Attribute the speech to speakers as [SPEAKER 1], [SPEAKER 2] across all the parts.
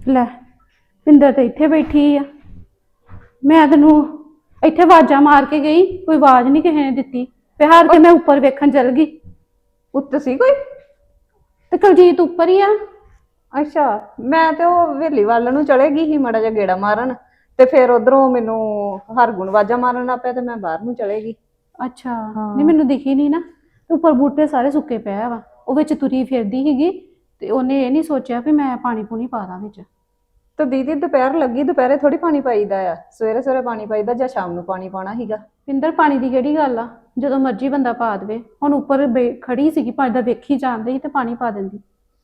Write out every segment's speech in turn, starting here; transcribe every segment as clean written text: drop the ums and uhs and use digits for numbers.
[SPEAKER 1] ਲੈ ਪਿੰਦਰ ਤੇ ਇੱਥੇ ਬੈਠੀ ਆ। ਮੈਂ ਤੈਨੂੰ ਇੱਥੇ ਆਵਾਜ਼ਾਂ ਮਾਰ ਕੇ ਗਈ, ਕੋਈ ਆਵਾਜ਼ ਨਹੀਂ ਕਿਸੇ ਨੇ ਦਿੱਤੀ। ਤੇ ਹਾਰ ਕੇ ਮੈਂ ਉੱਪਰ ਵੇਖਣ ਚਲ ਗਈ।
[SPEAKER 2] ਉੱਤ ਸੀ ਕੋਈ?
[SPEAKER 1] ਤੇ ਕੁਲਜੀਤ ਉੱਪਰ ਹੀ ਆ।
[SPEAKER 2] ਅੱਛਾ, ਮੈਂ ਤੇ ਉਹ ਹਵੇਲੀ ਵੱਲ ਨੂੰ ਚਲੇ ਗਈ ਸੀ ਮਾੜਾ ਜਿਹਾ ਗੇੜਾ ਮਾਰਨ, ਤੇ ਫਿਰ ਉਧਰੋਂ ਮੈਨੂੰ ਹਰਗੁਣ ਆਵਾਜ਼ਾਂ ਮਾਰਨ ਲੱਗ ਪਿਆ ਤੇ ਮੈਂ ਬਾਹਰ ਨੂੰ ਚਲੇ ਗਈ।
[SPEAKER 1] ਅੱਛਾ, ਨਹੀਂ ਮੈਨੂੰ ਦਿਖੀ ਨਹੀਂ ਨਾ। ਤੇ ਉੱਪਰ ਬੂਟੇ ਸਾਰੇ ਸੁੱਕੇ ਪਏ ਵਾ, ਉਹ ਵਿੱਚ ਤੁਰੀ ਫਿਰਦੀ ਸੀਗੀ ਤੇ ਉਹਨੇ ਇਹ ਨਹੀਂ ਸੋਚਿਆ ਵੀ ਮੈਂ ਪਾਣੀ ਪੂਣੀ ਪਾ ਦਾਂ ਵਿੱਚ।
[SPEAKER 2] ਤੇ ਦੀਦੀ ਦੁਪਹਿਰ ਲੱਗੀ, ਦੁਪਹਿਰੇ ਥੋੜੀ ਪਾਣੀ ਪਾਈਦਾ ਆ, ਸਵੇਰੇ ਸਵੇਰੇ ਪਾਣੀ ਪਾਈਦਾ ਜਾਂ ਸ਼ਾਮ ਨੂੰ ਪਾਣੀ ਪਾਉਣਾ ਸੀਗਾ।
[SPEAKER 1] ਪਿੰਦਰ ਪਾਣੀ ਦੀ ਕਿਹੜੀ ਗੱਲ ਆ, ਜਦੋਂ ਮਰਜ਼ੀ ਬੰਦਾ ਪਾ ਦੇਵੇ। ਹੁਣ ਉੱਪਰ ਖੜੀ ਸੀਗੀ, ਪਾਣੀ ਦਾ ਵੇਖੀ ਜਾਂਦੇ ਸੀ ਤੇ ਪਾਣੀ ਪਾ ਦਿੰਦੀ।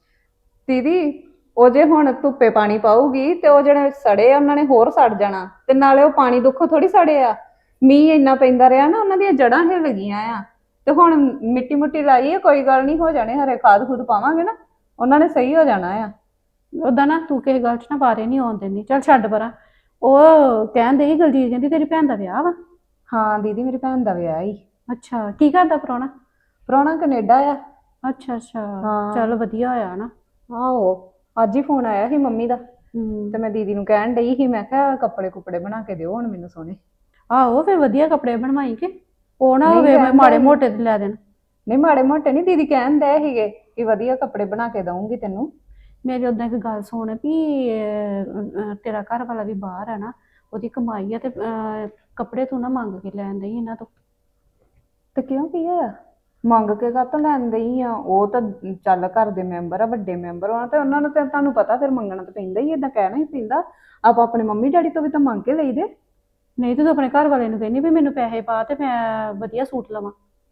[SPEAKER 2] ਦੀਦੀ ਉਹ ਜੇ ਹੁਣ ਧੁੱਪੇ ਪਾਣੀ ਪਾਊਗੀ ਤੇ ਉਹ ਜਿਹੜੇ ਸੜੇ ਆ ਉਹਨਾਂ ਨੇ ਹੋਰ ਸੜ ਜਾਣਾ, ਤੇ ਨਾਲੇ ਉਹ ਪਾਣੀ ਦੁੱਖੋਂ ਥੋੜੀ ਸੜੇ ਆ। ਮੀਂਹ ਇੰਨਾ ਪੈਂਦਾ ਰਿਹਾ ਨਾ, ਉਹਨਾਂ ਦੀਆਂ ਜੜ੍ਹਾਂ ਹਿੱਲ ਗਈਆਂ ਆ। ਤੇ ਹੁਣ ਮਿੱਟੀ ਮੁੱਟੀ ਲਾਈ ਹੈ, ਕੋਈ ਗੱਲ ਨਹੀਂ, ਹੋ ਜਾਣੇ, ਹਰੇ ਖਾਦ ਖੂਦ ਪਾਵਾਂਗੇ ਨਾ, ਉਹਨਾਂ ਨੇ ਸਹੀ ਹੋ ਜਾਣਾ ਆ।
[SPEAKER 1] ਉਦਾਂ ਨਾ ਤੂੰ ਕਿਸੇ ਗੱਲ 'ਚ ਨਾ ਬਾਰੇ ਨਹੀਂ ਆਉਣ ਦਿੰਦੀ। ਚੱਲ ਛੱਡ ਪਰਾਂ। ਉਹ ਕਹਿੰਦੇ ਸੀ ਦਲਜੀਤ ਕਹਿੰਦੀ ਤੇਰੀ ਭੈਣ ਦਾ ਵਿਆਹ ਵਾ।
[SPEAKER 2] ਹਾਂ ਦੀਦੀ, ਮੇਰੀ ਭੈਣ ਦਾ ਵਿਆਹ ਹੀ।
[SPEAKER 1] ਅੱਛਾ, ਕੀ ਕਰਦਾ ਪ੍ਰਾਹੁਣਾ?
[SPEAKER 2] ਪ੍ਰਾਹੁਣਾ ਕੈਨੇਡਾ ਆ।
[SPEAKER 1] ਅੱਛਾ ਅੱਛਾ,
[SPEAKER 2] ਹਾਂ।
[SPEAKER 1] ਚੱਲ ਵਧੀਆ ਹੋਇਆ ਨਾ।
[SPEAKER 2] ਆਹੋ, ਅੱਜ ਹੀ ਫੋਨ ਆਇਆ ਸੀ ਮੰਮੀ ਦਾ,
[SPEAKER 1] ਹੂੰ।
[SPEAKER 2] ਤੇ ਮੈਂ ਦੀਦੀ ਨੂੰ ਕਹਿਣ ਡਈ ਸੀ, ਮੈਂ ਕਿਹਾ ਕੱਪੜੇ ਕੁਪੜੇ ਬਣਾ ਕੇ ਦਿਓ ਹੁਣ ਮੈਨੂੰ ਸੋਹਣੇ।
[SPEAKER 1] ਆਹੋ ਫਿਰ ਵਧੀਆ ਕੱਪੜੇ ਬਣਵਾਈ ਕੇ, ਉਹ ਨਾ
[SPEAKER 2] ਨਹੀਂ
[SPEAKER 1] ਹੋਵੇ
[SPEAKER 2] ਕਹਿੰਦਾ
[SPEAKER 1] ਮਾੜੇ
[SPEAKER 2] ਸੀ।
[SPEAKER 1] ਮੋਟੇ ਤੇ ਲੈ ਦੇਣ।
[SPEAKER 2] ਨਹੀਂ ਮਾੜੇ ਮੋਟੇ ਨਹੀਂ, ਦੀਦੀ ਕਹਿਣ ਡਏ ਸੀਗੇ ਕਿ ਵਧੀਆ ਕੱਪੜੇ ਬਣਾ ਕੇ ਦਊਂਗੀ ਤੈਨੂੰ।
[SPEAKER 1] ਮੇਰੀ ਉਦਾਂ ਇੱਕ ਗੱਲ ਸੁਣ ਵੀ ਤੇਰਾ ਘਰ ਵਾਲਾ ਵੀ ਬਾਹਰ ਆ ਨਾ, ਉਹਦੀ ਕਮਾਈ ਆ, ਤੇ ਕੱਪੜੇ ਤੂੰ ਨਾ ਮੰਗ ਕੇ ਲੈਣ ਦਈ ਇਹਨਾਂ ਤੋਂ।
[SPEAKER 2] ਤੇ ਕਿਉਂ ਕੀ ਹੋਇਆ? ਮੰਗ ਕੇ ਕਾਹਤੋਂ ਲੈਣ ਦਈ ਆ? ਉਹ ਤਾਂ ਚੱਲ ਘਰ ਦੇ ਮੈਂਬਰ ਆ, ਵੱਡੇ ਮੈਂਬਰ ਆ, ਤੇ ਉਹਨਾਂ ਨੂੰ ਤੇ ਤੁਹਾਨੂੰ ਪਤਾ ਫਿਰ ਮੰਗਣਾ ਤਾਂ ਪੈਂਦਾ ਹੀ, ਏਦਾਂ ਕਹਿਣਾ ਹੀ ਪੈਂਦਾ। ਆਪਾਂ ਆਪਣੇ ਮੰਮੀ ਡੈਡੀ ਤੋਂ ਵੀ ਤਾਂ ਮੰਗ ਕੇ ਲਈਦੇ।
[SPEAKER 1] ਨਹੀਂ ਤੂੰ ਆਪਣੇ ਘਰ ਵਾਲੇ ਨੂੰ ਕਹਿੰਦੀ ਵੀ ਮੈਨੂੰ ਪੈਸੇ ਪਾ ਤੇ ਮੈਂ ਵਧੀਆ ਸੂਟ ਲਵਾਂ।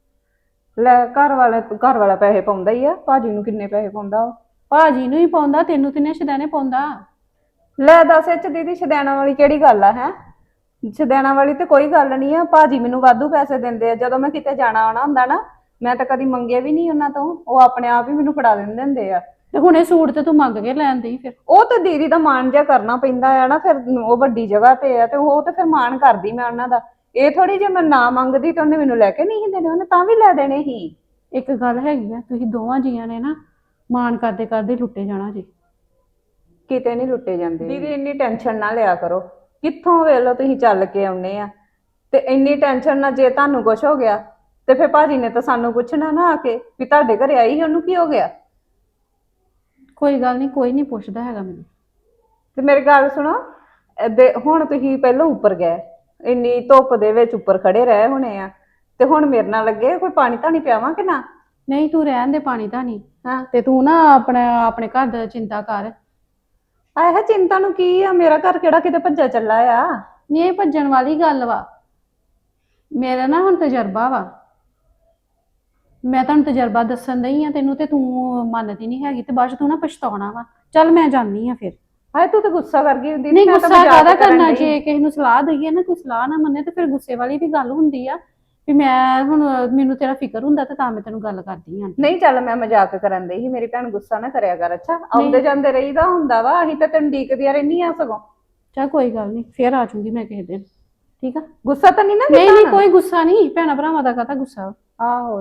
[SPEAKER 2] ਲੈ ਘਰ ਵਾਲਾ ਪੈਸੇ ਪਾਉਂਦਾ ਹੀ ਆ, ਭਾਜੀ ਨੂੰ ਕਿੰਨੇ ਪੈਸੇ ਪਾਉਂਦਾ ਉਹ?
[SPEAKER 1] ਭਾਜੀ ਨੂੰ ਹੀ ਪਾਉਂਦਾ, ਤੈਨੂੰ ਕਿੰਨੇ ਸ਼ਦਾਨੇ ਪਾਉਂਦਾ।
[SPEAKER 2] ਲੈ ਦੱਸ, ਇਹ ਚ ਦੀਦੀ ਸ਼ਦੈਣਾ ਵਾਲੀ ਕਿਹੜੀ ਗੱਲ ਆ? ਹੈ ਸ਼ਦੈਣਾ ਵਾਲੀ ਤੇ ਕੋਈ ਗੱਲ ਨਹੀਂ ਆ। ਭਾਜੀ ਮੈਨੂੰ ਵਾਧੂ ਪੈਸੇ ਦਿੰਦੇ ਆ, ਜਦੋਂ ਮੈਂ ਕਿਤੇ ਜਾਣਾ ਆਉਣਾ ਹੁੰਦਾ ਨਾ, ਮੈਂ ਤਾਂ ਕਦੀ ਮੰਗੇ ਵੀ ਨਹੀਂ ਉਹਨਾਂ ਤੋਂ, ਉਹ ਆਪਣੇ ਆਪ ਹੀ ਮੈਨੂੰ ਫੜਾ ਦਿੰਦੇ ਹੁੰਦੇ ਆ।
[SPEAKER 1] ਤੇ ਹੁਣ ਇਹ ਸੂਟ ਤੇ ਤੂੰ ਮੰਗ ਕੇ ਲੈਣ ਦਈ ਫਿਰ।
[SPEAKER 2] ਉਹ ਤਾਂ ਦੀਦੀ ਦਾ ਮਾਣ ਜਿਹਾ ਕਰਨਾ ਪੈਂਦਾ ਆ ਨਾ, ਫਿਰ ਉਹ ਵੱਡੀ ਜਗ੍ਹਾ ਤੇ ਆ, ਤੇ ਉਹ ਤੇ ਫਿਰ ਮਾਣ ਕਰਦੀ ਮੈਂ ਉਹਨਾਂ ਦਾ। ਇਹ ਥੋੜੀ ਜੇ ਮੈਂ ਨਾ ਮੰਗਦੀ ਤਾਂ ਉਹਨੇ ਮੈਨੂੰ ਲੈ ਕੇ ਨਹੀਂ ਦੇਣੇ, ਉਹਨੇ ਤਾਂ ਵੀ ਲੈ ਦੇਣੇ ਸੀ।
[SPEAKER 1] ਇੱਕ ਗੱਲ ਹੈਗੀ ਆ, ਤੁਸੀਂ ਦੋਵਾਂ ਜੀਆਂ ਨੇ ਨਾ ਮਾਣ ਕਰਦੇ ਕਰਦੇ ਲੁੱਟੇ ਜਾਣਾ ਜੀ।
[SPEAKER 2] ਕਿਤੇ ਨਹੀਂ ਲੁੱਟੇ ਜਾਂਦੇ ਦੀਦੀ, ਇੰਨੀ ਟੈਨਸ਼ਨ ਨਾ ਲਿਆ ਕਰੋ। ਕਿੱਥੋਂ ਵੇਲੋ ਤੁਸੀਂ ਚੱਲ ਕੇ ਆਉਨੇ ਆ, ਤੇ ਇੰਨੀ ਟੈਨਸ਼ਨ ਨਾ, ਜੇ ਤੁਹਾਨੂੰ ਕੁਝ ਹੋ ਗਿਆ ਤੇ ਫਿਰ ਭਾਜੀ ਨੇ ਤਾਂ ਸਾਨੂੰ ਪੁੱਛਣਾ ਨਾ ਆ ਕੇ ਵੀ ਤੁਹਾਡੇ ਘਰੇ ਆਈ, ਉਹਨੂੰ ਕੀ ਹੋ ਗਿਆ।
[SPEAKER 1] ਕੋਈ ਗੱਲ ਨਹੀਂ, ਕੋਈ ਨਹੀਂ ਪੁੱਛਦਾ ਹੈਗਾ ਮੈਨੂੰ।
[SPEAKER 2] ਤੇ ਮੇਰੀ ਗੱਲ ਸੁਣੋ, ਹੁਣ ਤੁਸੀਂ ਪਹਿਲਾਂ ਉੱਪਰ ਗਏ, ਇੰਨੀ ਧੁੱਪ ਦੇ ਵਿੱਚ ਉੱਪਰ ਖੜੇ ਰਹੇ ਹੋਣੇ ਆ, ਤੇ ਹੁਣ ਮੇਰੇ ਨਾਲ ਲੱਗੇ ਕੋਈ ਪਾਣੀ ਧਾਣੀ ਪਿਆਵਾਂ ਕਿ ਨਾ?
[SPEAKER 1] ਨਹੀਂ ਤੂੰ ਰਹਿਣ ਦੇ ਪਾਣੀ ਤਾਂ ਨਹੀਂ।
[SPEAKER 2] ਹਾਂ,
[SPEAKER 1] ਤੇ ਤੂੰ ਨਾ ਆਪਣੇ ਘਰ ਦਾ ਚਿੰਤਾ ਕਰ।
[SPEAKER 2] ਆਹ ਚਿੰਤਾ ਨੂੰ ਕੀ ਆ, ਮੇਰਾ ਘਰ ਕਿਹੜਾ ਕਿਤੇ ਭੱਜਾ ਚੱਲਾ ਆ।
[SPEAKER 1] ਨਹੀਂ ਇਹ ਭੱਜਣ ਵਾਲੀ ਗੱਲ ਵਾ, ਮੇਰਾ ਨਾ ਹੁਣ ਤਜਰਬਾ ਵਾ। ਮੈਂ ਤੁਹਾਨੂੰ ਤਜਰਬਾ ਦੱਸਣ ਦਈ ਆ ਤੈਨੂੰ, ਤੇ ਤੂੰ ਮੰਨਦੀ ਨਹੀਂ ਹੈਗੀ, ਤੇ ਬਾਅਦ ਚ ਤੂੰ ਨਾ ਪਛਤਾਉਣਾ ਵਾ। ਚੱਲ ਮੈਂ ਜਾਣੀ ਆ ਫਿਰ।
[SPEAKER 2] ਹਾਏ ਤੂੰ ਤਾਂ ਗੁੱਸਾ ਕਰ ਗਈ ਹੁੰਦੀ।
[SPEAKER 1] ਨਹੀਂ ਗੁੱਸਾ ਕਾਹਦਾ ਕਰਨਾ, ਜੇ ਕਿਸੇ ਨੂੰ ਸਲਾਹ ਦਈਏ ਨਾ, ਕੋਈ ਸਲਾਹ ਨਾ ਮੰਨੇ ਤੇ ਫਿਰ ਗੁੱਸੇ ਵਾਲੀ ਵੀ ਗੱਲ ਹੁੰਦੀ ਆ। ਵੀ ਮੈਂ ਹੁਣ ਮੈਨੂੰ ਤੇਰਾ ਫਿਕਰ ਹੁੰਦਾ ਤੇ ਤਾਂ ਮੈਂ ਤੈਨੂੰ ਗੱਲ ਕਰਦੀ ਆ।
[SPEAKER 2] ਨਹੀਂ ਚੱਲ ਮੈਂ ਮਜ਼ਾਕ ਕਰਨ ਦਈ ਸੀ, ਮੇਰੀ ਭੈਣ ਗੁੱਸਾ ਨਾ ਕਰਿਆ ਕਰ। ਅੱਛਾ, ਆਉਂਦੇ ਜਾਂਦੇ ਰਹੀਦਾ ਹੁੰਦਾ ਵਾ, ਅਸੀਂ ਤਾਂ ਤੈਨੂੰ ਡੀਕਦੀਆਂ ਰਹਿੰਦੀਆਂ ਸਗੋਂ।
[SPEAKER 1] ਚੱਲ ਕੋਈ ਗੱਲ ਨਹੀਂ, ਫੇਰ ਆ ਜਾਊਂਗੀ ਮੈਂ ਕਿਸੇ ਦਿਨ, ਠੀਕ ਆ?
[SPEAKER 2] ਗੁੱਸਾ ਤਾਂ ਨਹੀਂ ਨਾ?
[SPEAKER 1] ਨਹੀਂ ਨਹੀਂ ਕੋਈ ਗੁੱਸਾ ਨਹੀਂ, ਭੈਣਾ ਭਰਾਵਾਂ ਦਾ ਕਾਹਦਾ ਗੁੱਸਾ।
[SPEAKER 2] ਆਹੋ,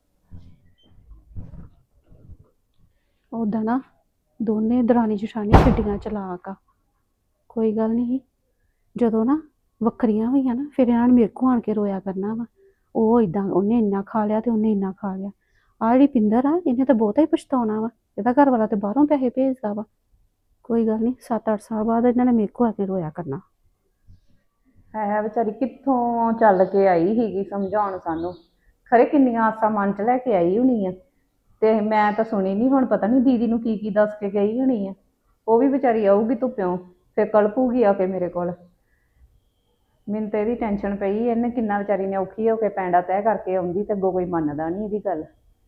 [SPEAKER 1] ਉਦਾਂ ਨਾ ਦੋਨੇ ਦਰਾਣੀ ਜਠਾਣੀ ਛੱਡੀਆਂ ਚਲਾਕ ਆ। ਕੋਈ ਗੱਲ ਨਹੀਂ, ਜਦੋਂ ਨਾ ਵੱਖਰੀਆਂ ਹੋਈਆਂ ਨਾ, ਫਿਰ ਇਹਨਾਂ ਨੇ ਮੇਰੇ ਕੋਲ ਆਣ ਕੇ ਰੋਇਆ ਕਰਨਾ ਵਾ। ਉਹ ਇਦਾਂ, ਉਹਨੇ ਇੰਨਾ ਖਾ ਲਿਆ ਤੇ ਉਹਨੇ ਇੰਨਾ ਖਾ ਲਿਆ। ਆਹ ਜਿਹੜੀ ਪਿੰਦਰ ਆ, ਇਹਨੇ ਤਾਂ ਬਹੁਤਾ ਹੀ ਪਛਤਾਉਣਾ ਵਾ। ਇਹਦਾ ਘਰ ਵਾਲਾ ਤੇ ਬਾਹਰੋਂ ਪੈਸੇ ਭੇਜਦਾ ਵਾ। ਕੋਈ ਗੱਲ ਨਹੀਂ, 7-8 ਸਾਲ ਬਾਅਦ ਇਹਨਾਂ ਨੇ ਮੇਰੇ ਕੋਲ ਆ ਕੇ ਰੋਇਆ ਕਰਨਾ।
[SPEAKER 2] ਹੈ ਵਿਚਾਰੀ ਕਿੱਥੋਂ ਚੱਲ ਕੇ ਆਈ ਸੀਗੀ ਸਮਝਾਉਣ ਸਾਨੂੰ, ਖਰੇ ਕਿੰਨੀਆਂ ਆਸਾਂ ਮਨ 'ਚ ਲੈ ਕੇ ਆਈ ਹੋਣੀ ਆ, ਤੇ ਮੈਂ ਤਾਂ ਸੁਣੀ ਨਹੀਂ। ਹੁਣ ਪਤਾ ਨਹੀਂ ਦੀਦੀ ਨੂੰ ਕੀ ਕੀ ਦੱਸ ਕੇ ਗਈ ਹੋਣੀ ਆ। ਉਹ ਵੀ ਵਿਚਾਰੀ ਆਊਗੀ ਧੁੱਪਿਓਂ, ਫਿਰ ਕਲਪੂਗੀ ਆ ਕੇ ਮੇਰੇ ਕੋਲ। ਮੈਨੂੰ ਤਾਂ ਇਹਦੀ ਟੈਨਸ਼ਨ ਪਈ, ਇਹਨੇ ਕਿੰਨਾ ਵਿਚਾਰੀ ਨੇ ਔਖੀ ਹੋ ਕੇ ਪੈਂਡਾ ਤੈਅ ਕਰਕੇ ਆਉਂਦੀ, ਤੇ ਅੱਗੋਂ ਕੋਈ ਮੰਨਦਾ ਨਹੀਂ ਇਹਦੀ ਗੱਲ।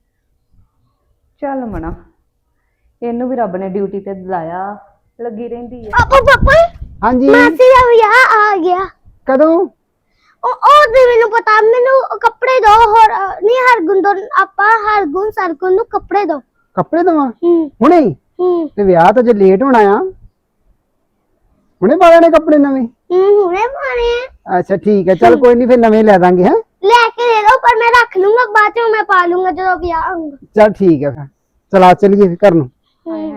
[SPEAKER 2] ਚੱਲ ਮਣਾ, ਇਹਨੂੰ ਵੀ ਰੱਬ ਨੇ ਡਿਊਟੀ ਤੇ ਲਾਇਆ, ਲੱਗੀ ਰਹਿੰਦੀ ਆ।
[SPEAKER 3] ਪਾਪਾ
[SPEAKER 4] ਹਾਂਜੀ
[SPEAKER 3] ਮਾਸੀ ਦਾ ਵਿਆਹ ਆ ਗਿਆ।
[SPEAKER 4] ਕਦੋਂ?
[SPEAKER 3] ਉਹ ਤੇ ਮੈਨੂੰ ਪਤਾ, ਮੈਨੂੰ ਕੱਪੜੇ ਦੋ। ਹੋਰ ਨਹੀਂ, ਹਰਗੁਣ ਦੋ, ਆਪਾਂ ਹਰਗੁਣ ਸਰਗੁਣ ਨੂੰ ਕੱਪੜੇ ਦੋ।
[SPEAKER 4] ਕੱਪੜੇ ਦਵਾਂ
[SPEAKER 3] ਹੂੰ
[SPEAKER 4] ਹੁਣੇ?
[SPEAKER 3] ਹੂੰ
[SPEAKER 4] ਤੇ ਵਿਆਹ ਤਾਂ ਜੇ ਲੇਟ ਹੋਣਾ ਆ, ਹੁਣੇ ਪਾ ਲੈਣੇ ਕੱਪੜੇ ਨਵੇਂ?
[SPEAKER 3] ਹੁਣੇ ਪਾਣੇ ਆ।
[SPEAKER 4] ਅੱਛਾ ਠੀਕ ਹੈ, ਚੱਲ ਕੋਈ ਨਹੀਂ, ਫਿਰ ਨਵੇਂ ਲੈ ਦਾਂਗੇ। ਹੈ
[SPEAKER 3] ਲੈ ਕੇ ਦੇ ਦੋ, ਪਰ ਮੈਂ ਰੱਖ ਲੂੰਗਾ, ਬਾਅਦ ਚ ਮੈਂ ਪਾ ਲੂੰਗਾ ਜਦੋਂ ਵਿਆਹ ਹੋਊਗਾ।
[SPEAKER 4] ਚੱਲ ਠੀਕ ਹੈ, ਫਿਰ ਚਲਾ ਚਲੀਏ ਘਰ ਨੂੰ।
[SPEAKER 2] ਹਾਏ ਹਾਏ,